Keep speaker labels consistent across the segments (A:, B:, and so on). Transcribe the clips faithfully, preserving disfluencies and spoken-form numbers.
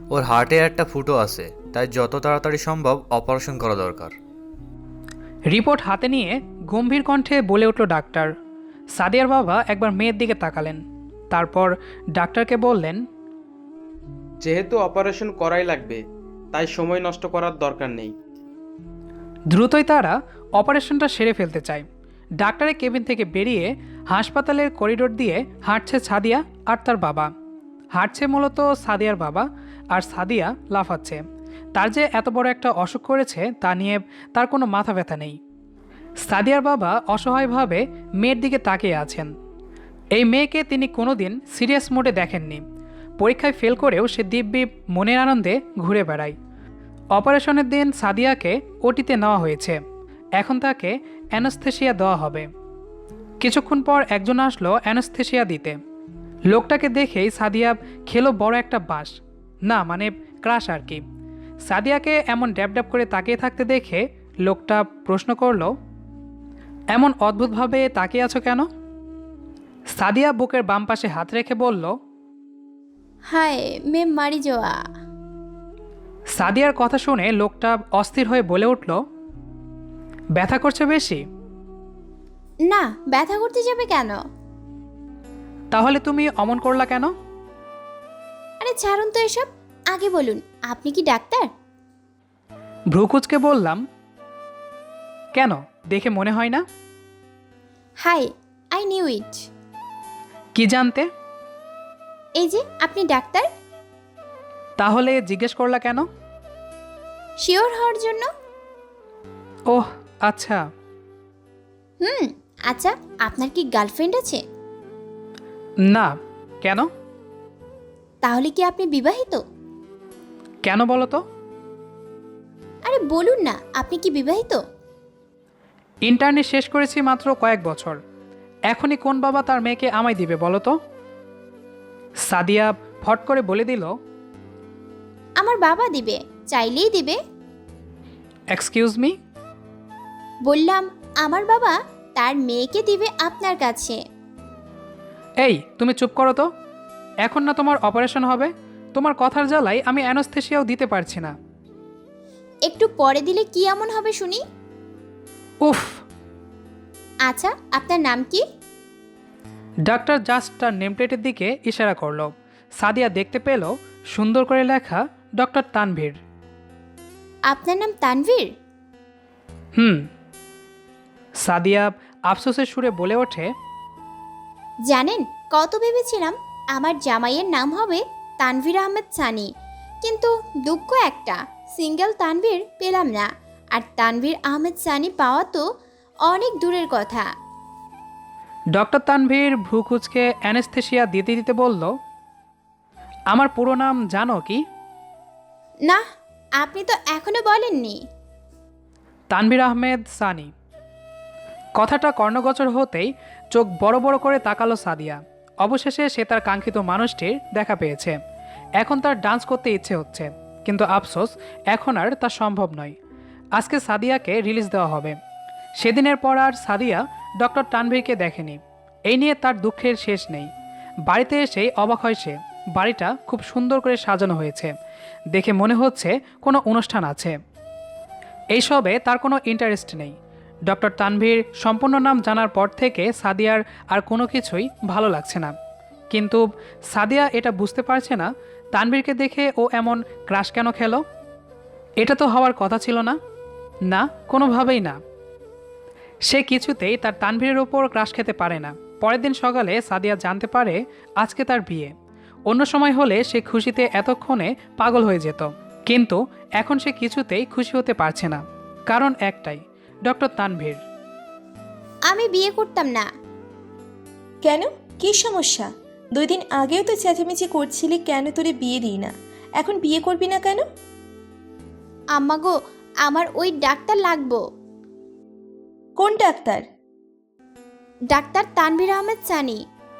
A: ওর হার্টে একটা ফুটো আছে, তাই যত তাড়াতাড়ি সম্ভব অপারেশন করা দরকার।
B: রিপোর্ট হাতে নিয়ে গম্ভীর কণ্ঠে বলে উঠল ডাক্তার। সাদিয়ার বাবা একবার মেয়ের দিকে তাকালেন, তারপর ডাক্তারকে বললেন,
C: যেহেতু অপারেশন করাই লাগবে, তাই সময় নষ্ট করার দরকার নেই।
B: দ্রুতই তারা অপারেশনটা সেরে ফেলতে চায়। ডাক্তারের কেবিন থেকে বেরিয়ে হাসপাতালের করিডোর দিয়ে হাঁটছে সাদিয়া আর তার বাবা। হাঁটছে মূলত সাদিয়ার বাবা, আর সাদিয়া লাফাচ্ছে। তার যে এত বড় একটা অসুখ করেছে তা নিয়ে তার কোনো মাথা ব্যথা নেই। সাদিয়ার বাবা অসহায়ভাবে মেয়ের দিকে তাকিয়ে আছেন। এই মেয়েকে তিনি কোনোদিন সিরিয়াস মোডে দেখেননি। পরীক্ষায় ফেল করেও সে দিব্যি মনের আনন্দে ঘুরে বেড়ায়। অপারেশনের দিন সাদিয়াকে ওটিতে নেওয়া হয়েছে, এখন তাকে অ্যানাস্থেসিয়া দেওয়া হবে। কিছুক্ষণ পর একজন আসলো অ্যানাস্থেসিয়া দিতে। লোকটাকে দেখেই সাদিয়া খেলো বড় একটা বাঁশ, না মানে ক্রাশ আর কি। সাদিয়াকে এমন ড্যাব ড্যাব করে তাকিয়ে থাকতে দেখে লোকটা প্রশ্ন করলো, এমন অদ্ভুতভাবে তাকিয়ে আছো কেন? সাদিয়া বুকের বাম পাশে হাত রেখে বলল,
D: হায় মে মারি যাওয়া।
B: সাদিয়ার কথা শুনে লোকটা অস্থির হয়ে বলে উঠল, ব্যথা করছে বেশি?
D: না, ব্যথা করতে যাবে কেন?
B: তাহলে তুমি অমন করলা কেন?
D: আরে ছাড়ুন তো এসব, আগে বলুন আপনি কি ডাক্তার?
B: ভ্রুকুচকে বললাম, কেন, দেখে মনে হয় না?
D: Hi, I knew it.
B: কি জানতে?
D: এই যে আপনি ডাক্তার।
B: তাহলে জিজ্ঞেস করলা কেন?
D: শিওর হওয়ার জন্য।
B: ওহ আচ্ছা।
D: হুম, আচ্ছা আপনার কি গার্লফ্রেন্ড আছে?
B: না। কেন?
D: তাহলে কি আপনি বিবাহিত?
B: কেন বলো তো?
D: আরে বলুন না, আপনি কি বিবাহিত?
B: ইন্টার্নি শেষ করেছি মাত্র কয়েক বছর, এখনই কোন বাবা তার মেয়েকে আমায় দিবে বলো তো? সাদিয়া ফট করে বলে দিল,
D: আমার বাবা দিবে, চাইলেই দিবে।
B: Excuse me?
D: বললাম আমার বাবা তার মেয়েকে দিবে আপনার কাছে।
B: এই তুমি চুপ করো তো, এখন না তোমার অপারেশন হবে, তোমার কথার জ্বালাই আমি অ্যানাস্থেসিয়াও দিতে পারছি না।
D: একটু পরে দিলে কি এমন হবে শুনি?
B: উফ।
D: আচ্ছা আপনার নাম কি?
B: ডাক্তার জাস্ট তার নেমপ্লেটের দিকে ইশারা করলো। সাদিয়া দেখতে পেল সুন্দর করে লেখা ডক্টর তানভীর।
D: আপনার নাম তানভীর?
B: হুম। সাদিয়া আফসোসের সুরে বলে ওঠে,
D: জানেন কত ভেবেছিলাম আমার জামাইয়ের নাম হবে তানভীর আহমেদ সানি, কিন্তু দুঃখ একটা, সিঙ্গেল তানভীর পেলাম না। আর তানভীর আহমেদ সানি পাওয়া তো অনেক দূরের কথা।
B: ডক্টর তানভীর ভ্রু কুঁচকে অ্যানেস্থেসিয়া দিতে দিতে বলল, আমার পুরো নাম জানো কি?
D: না, আপনি তো এখনো বলেননি।
B: তানভীর আহমেদ সানি। কথাটা কর্ণগোচর হতেই চোখ বড় বড় করে তাকালো সাদিয়া। অবশেষে সে তার কাঙ্ক্ষিত মানুষটির দেখা পেয়েছে। এখন তার ডান্স করতে ইচ্ছে হচ্ছে, কিন্তু আফসোস এখন আর তা সম্ভব নয়। আজকে সাদিয়াকে রিলিজ দেওয়া হবে। সেদিনের পর আর সাদিয়া ডক্টর তানভীরকে দেখেনি। এই নিয়ে তার দুঃখের শেষ নেই। বাড়িতে এসেই অবাক হয় সে। বাড়িটা খুব সুন্দর করে সাজানো হয়েছে, দেখে মনে হচ্ছে কোনো অনুষ্ঠান আছে। এইসবে তার কোনো ইন্টারেস্ট নেই। ডক্টর তানভীর সম্পূর্ণ নাম জানার পর থেকে সাদিয়ার আর কোনো কিছুই ভালো লাগছে না। কিন্তু সাদিয়া এটা বুঝতে পারছে না তানভীরকে দেখে ও এমন ক্রাশ কেন খেলো। এটা তো হওয়ার কথা ছিল না, না কোনোভাবেই না। সে কিছুতেই তার তানভীরের ওপর ক্রাশ খেতে পারে না। পরের দিন সকালে সাদিয়া জানতে পারে আজকে তার বিয়ে। অন্য সময় হলে সে খুশিতে এতক্ষণে পাগল হয়ে যেত, কিন্তু এখন সে কিছুতেই খুশি হতে পারছে না। কারণ একটাই, ডক্টর তানভীর।
D: আমি বিয়ে করতাম না।
E: কেন, কি সমস্যা? দুই দিন আগেও তো চেঁচামেচি করছিলি কেন তোরে বিয়ে দিই না, এখন বিয়ে করবি না কেন?
D: আম্মা গো, আমার ওই ডাক্তার লাগবো।
E: কোন ডাক্তার?
D: ডাক্তার তানভীর আহমেদ সানি।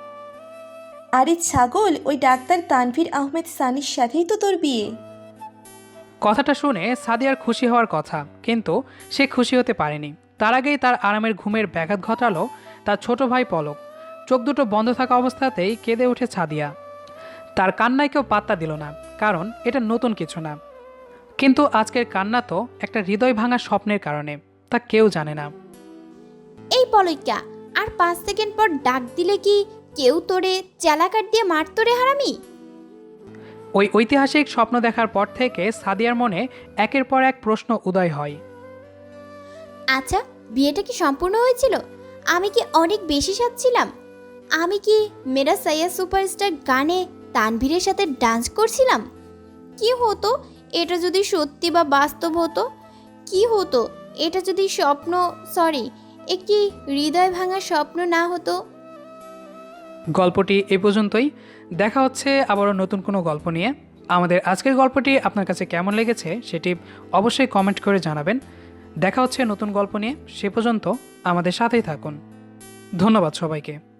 E: আরে ছাগল, ওই ডাক্তার তানভীর আহমেদ সানির সাথেই তো তোর বিয়ে।
B: কথাটা শুনে সাদিয়ার খুশি হওয়ার কথা, কিন্তু সে খুশি হতে পারেনি। তার আগেই তার আরামের ঘুমের ব্যাঘাত ঘটালো তার ছোট ভাই পলক। চোখ দুটো বন্ধ থাকা অবস্থাতেই কেঁদে ওঠে সাদিয়া। তার কান্নায় কেউ পাত্তা দিল না, কারণ এটা নতুন কিছু না। কিন্তু আজকের কান্না তো একটা হৃদয় ভাঙা স্বপ্নের কারণে, তা কেউ জানে না।
D: এই পলইকা, আর পাঁচ সেকেন্ড পর ডাক দিলে কি কেউ তোরে চালাকাট দিয়ে মারতো রে হারামি?
B: ওই ঐতিহাসিক স্বপ্ন দেখার পর থেকে সাদিয়ার মনে একের পর এক প্রশ্ন উদয় হয়।
D: আচ্ছা, বিয়েটা কি সম্পূর্ণ হয়েছিল? আমি কি অনেক বেশি সাজছিলাম? আমি কি মেরা সাইয়া সুপারস্টার গানে তানভীরের সাথে ডান্স করছিলাম? কি হতো এটা যদি সত্যি বা বাস্তব হতো? কি হতো এটা যদি স্বপ্ন, সরি, একটি হৃদয় ভাঙা স্বপ্ন না হতো?
B: গল্পটি এ পর্যন্তই। দেখা হচ্ছে আবারও নতুন কোনো গল্প নিয়ে। আমাদের আজকের গল্পটি আপনার কাছে কেমন লেগেছে সেটি অবশ্যই কমেন্ট করে জানাবেন। দেখা হচ্ছে নতুন গল্প নিয়ে, সে পর্যন্ত আমাদের সাথেই থাকুন। ধন্যবাদ সবাইকে।